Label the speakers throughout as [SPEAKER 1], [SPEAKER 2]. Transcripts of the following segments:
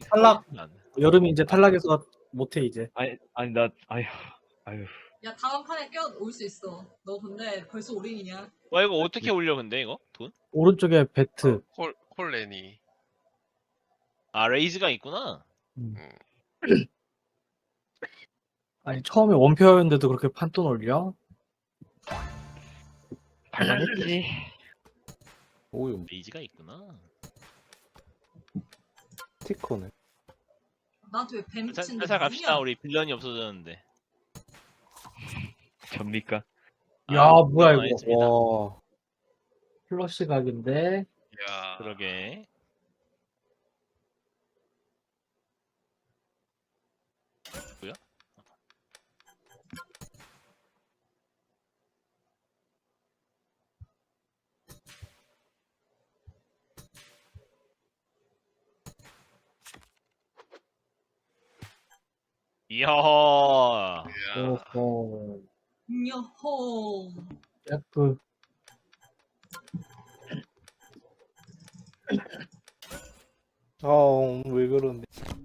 [SPEAKER 1] 탈락.
[SPEAKER 2] 안.
[SPEAKER 1] 여름이 이제 탈락해서 못해 이제.
[SPEAKER 3] 아니 나 아휴.
[SPEAKER 4] 야 다음 판에 올 수 있어. 너 근데 벌써 올인이냐?
[SPEAKER 2] 와 이거 어떻게 올려 근데 이거 돈?
[SPEAKER 1] 오른쪽에 배트.
[SPEAKER 5] 콜레니.
[SPEAKER 2] 아 레이즈가 있구나.
[SPEAKER 1] 아니 처음에 원표였는데도 그렇게 판돈 올려?
[SPEAKER 3] 갈만했지.
[SPEAKER 6] 오유
[SPEAKER 2] 레이즈가 있구나.
[SPEAKER 6] 스티커네.
[SPEAKER 4] 나한테 왜 뱀 붙이는데?
[SPEAKER 2] 살살 갑시다. 우리 빌런이 없어졌는데.
[SPEAKER 3] 접니까?
[SPEAKER 1] 야 뭐야 이거.
[SPEAKER 2] 알겠습니다.
[SPEAKER 6] 와.
[SPEAKER 1] 플러시 각인데.
[SPEAKER 5] 야.
[SPEAKER 2] 그러게. 뭐야? 이야.
[SPEAKER 5] 야.
[SPEAKER 1] 오호.
[SPEAKER 4] 여호.
[SPEAKER 1] F.
[SPEAKER 6] 왜 그러네.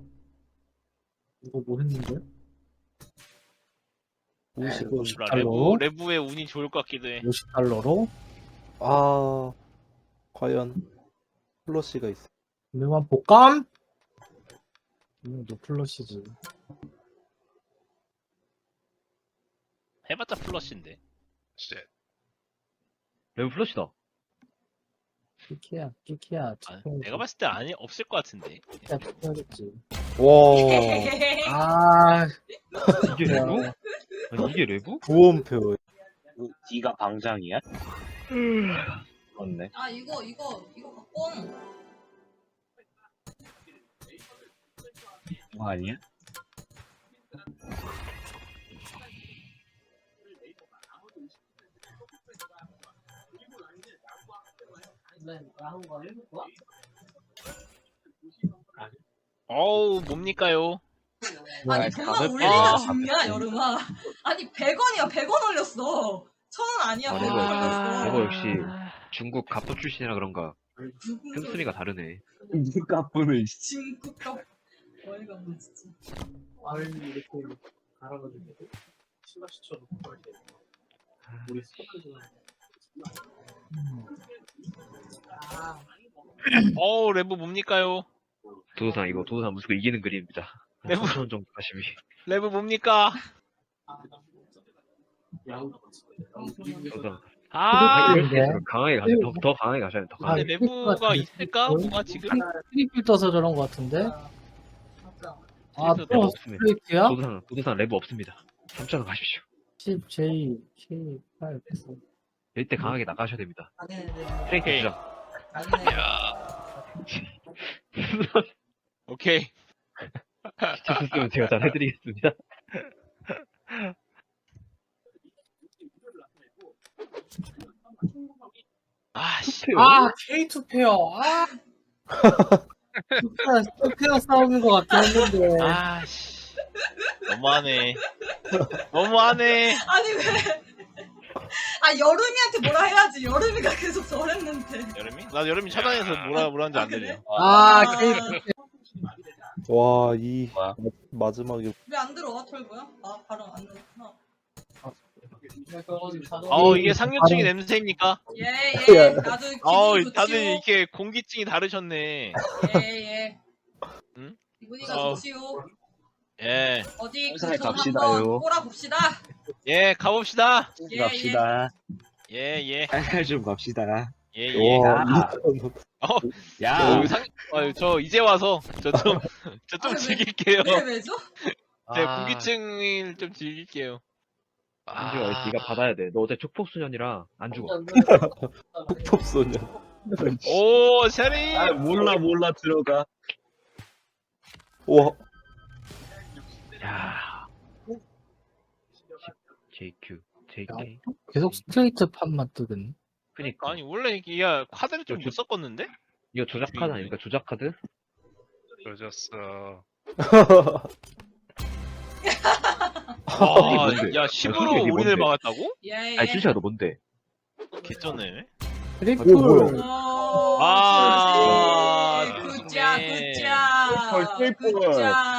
[SPEAKER 1] 이거 뭐 했는데?
[SPEAKER 6] 50원.
[SPEAKER 1] 달러?
[SPEAKER 2] 레브의 운이 좋을 것 같기도 해.
[SPEAKER 1] 50달러로?
[SPEAKER 6] 아, 과연 플러시가 있어.
[SPEAKER 1] 유명한 복감? 너 플러시지.
[SPEAKER 2] 해봤자 플러시인데.
[SPEAKER 5] 쉣.
[SPEAKER 3] 레브 플러시다.
[SPEAKER 1] 끼키야.
[SPEAKER 2] 아, 내가 봤을 때 아니 없을 것 같은데.
[SPEAKER 1] 끼키야 해야겠지.
[SPEAKER 6] 와,
[SPEAKER 1] 아,
[SPEAKER 3] 이게 레브? 아니 이게 레브?
[SPEAKER 6] 구원표.
[SPEAKER 7] D가 방장이야? 맞네.
[SPEAKER 4] 아 이거 바꿔.
[SPEAKER 7] 뭐 아니야?
[SPEAKER 2] 어우 뭡니까요?
[SPEAKER 4] 아니
[SPEAKER 7] 아,
[SPEAKER 4] 100만
[SPEAKER 7] 다들
[SPEAKER 4] 올리기가
[SPEAKER 2] 아.
[SPEAKER 4] 중요야 여름아. 아니 100원이야 100원 올렸어. 1000원 아니야 100원 올렸어.
[SPEAKER 3] 레버 역시 중국 갑도 출신이라 그런가 씀씀이가 다르네.
[SPEAKER 7] 누가 분을
[SPEAKER 4] 진국값. 어이가 없네 진짜.
[SPEAKER 1] 알을 이렇게 갈아가지고 슬러시처럼 먹어야 돼. 우리 스포츠는
[SPEAKER 2] 어우 레브 뭡니까요?
[SPEAKER 3] 도도상 이거 도도상 무조건 이기는 그림입니다.
[SPEAKER 2] 레브
[SPEAKER 3] 3,000원 정도 하심이.
[SPEAKER 2] 레브 뭡니까?
[SPEAKER 1] 야구
[SPEAKER 3] 도도상
[SPEAKER 2] 아
[SPEAKER 3] 강하게 가셔야 더 강하게 가셔야 더
[SPEAKER 2] 근데
[SPEAKER 3] 강하게.
[SPEAKER 2] 레브가 있을까? 뭐가 지금?
[SPEAKER 1] 트리플 떠서 저런 거 같은데? 아,
[SPEAKER 2] 트리플
[SPEAKER 1] 또
[SPEAKER 3] 없습니다.
[SPEAKER 1] 스트레이트야?
[SPEAKER 3] 도도상 레브 없습니다. 3,000원 가십시오.
[SPEAKER 1] 10, J, K, 8, 9.
[SPEAKER 3] 이때 강하게 나가셔야 됩니다.
[SPEAKER 4] 네네네.
[SPEAKER 3] 트레이크
[SPEAKER 2] 오케이.
[SPEAKER 3] 주장.
[SPEAKER 2] 오케이.
[SPEAKER 3] 시켰으면 제가 잘 해드리겠습니다.
[SPEAKER 2] 아씨.
[SPEAKER 1] 아, K2 페어. 아. 페어 싸움인 것 같긴 했는데.
[SPEAKER 2] 아씨. 너무하네. 너무하네.
[SPEAKER 4] 아니 왜? 아 여름이한테 뭐라 해야지. 여름이가 계속 저랬는데.
[SPEAKER 2] 여름이? 나 여름이 차단해서 뭐라는지 안 들려.
[SPEAKER 1] 아, K2
[SPEAKER 6] 와, 이
[SPEAKER 7] 뭐야?
[SPEAKER 6] 마지막에
[SPEAKER 4] 왜 안 들어와 털고요? 아 발음 안 들었구나.
[SPEAKER 2] 이게 상류층의 냄새입니까?
[SPEAKER 4] 예예. 나도 기분이
[SPEAKER 2] 다들
[SPEAKER 4] 좋지요.
[SPEAKER 2] 이렇게 공기증이 다르셨네.
[SPEAKER 4] 예예.
[SPEAKER 2] 응?
[SPEAKER 4] 기분이가
[SPEAKER 2] 어.
[SPEAKER 4] 좋지요.
[SPEAKER 2] 예.
[SPEAKER 4] 어디
[SPEAKER 7] 회사에
[SPEAKER 4] 돈
[SPEAKER 7] 갑시다요.
[SPEAKER 4] 한번 꼬라봅시다.
[SPEAKER 2] 예, 가봅시다.
[SPEAKER 4] 예,
[SPEAKER 7] 갑시다.
[SPEAKER 2] 예.
[SPEAKER 7] 좀 갑시다.
[SPEAKER 2] 예.
[SPEAKER 6] 와,
[SPEAKER 7] 야.
[SPEAKER 6] 2,000원.
[SPEAKER 7] 야.
[SPEAKER 2] 저 이제 와서 저 좀
[SPEAKER 4] 아, 왜?
[SPEAKER 2] 즐길게요.
[SPEAKER 4] 왜죠?
[SPEAKER 2] 제가 공기증을 좀 즐길게요.
[SPEAKER 3] 안주가 네가 받아야 돼. 너 어제 촉폭소년이라 안 죽어.
[SPEAKER 6] 폭법소년.
[SPEAKER 2] 오, 샤리.
[SPEAKER 7] 아, 몰라 들어가.
[SPEAKER 6] 와,
[SPEAKER 3] 야. JQ, JK.
[SPEAKER 1] 계속 스트레이트 판만 뜨겠네.
[SPEAKER 3] 그니까.
[SPEAKER 2] 아니 원래 이게 야 카드를 좀 못 섞었는데?
[SPEAKER 3] 이거 조작 카드 아닙니까? 조작 카드?
[SPEAKER 5] 그러졌어.
[SPEAKER 2] 아,
[SPEAKER 3] 뭔데?
[SPEAKER 2] 야
[SPEAKER 3] 그게
[SPEAKER 2] 10으로
[SPEAKER 3] 뭔데?
[SPEAKER 2] 올인을 막았다고?
[SPEAKER 4] 예예.
[SPEAKER 3] 아니 실시야 너 뭔데?
[SPEAKER 2] 개쩌네.
[SPEAKER 1] 트리플.
[SPEAKER 6] 뭐야?
[SPEAKER 4] 오,
[SPEAKER 2] 아,
[SPEAKER 4] 굿자
[SPEAKER 2] 좋네.
[SPEAKER 4] 굿자.
[SPEAKER 7] 펄, 펄.
[SPEAKER 4] 굿자.